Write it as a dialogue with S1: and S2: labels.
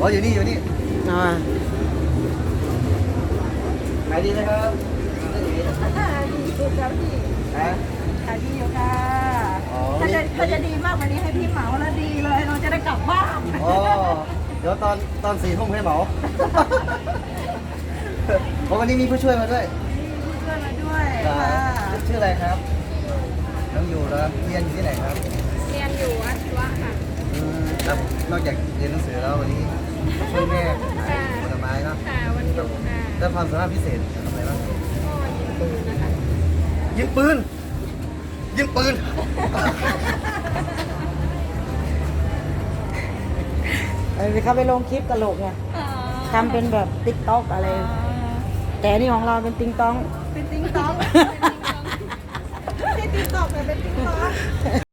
S1: อ๋ออยู่นี่อยู่นี่
S2: อ๋อ
S1: ขายดีไหมครับ
S3: ดีอยู่ครับพี่
S1: ฮะ
S3: ขายดีอยู่ค่ะ
S1: อ๋อ
S3: ถ้าจะดีมากกว่านี้ให้พี่เหมาแล้วดีเลยเราจะได้กลับบ้าน
S1: อ๋อเดี๋ยวตอน4 ทุ่มให้เหมาเพราะวันนี้มีผู้ช่วยมาด้วย
S3: มีเพื่อนมาด้วย
S1: ครั
S3: ค่ะ
S1: บชื่ออะไรครับน้องอยู่แล้วเรียนอยู่ที่ไหนครับ
S3: เรียนอยู่อาชีวะค่ะ
S1: ครับนอกจากเรียนหนังสือแล้ววันนี้ช่วยแม่ขายผลไม้เนาะ
S3: ค่ะวันหยุดค่ะ
S1: แล้วความสามารถพิเศษทำอะไรบ้าง
S3: ก็ยิงปืนนะคะ
S1: ยิงปืนยิงปืน
S2: เขาไปลงคลิปตลกไงทำเป็นแบบติ๊กต็อกอะไร แต่อันนี่ของเราเป็นติงตอง
S3: เป็นติ๊งต๊อกไม่ใช่ติ๊กต๊อกแต่เป็นติ๊กต๊อก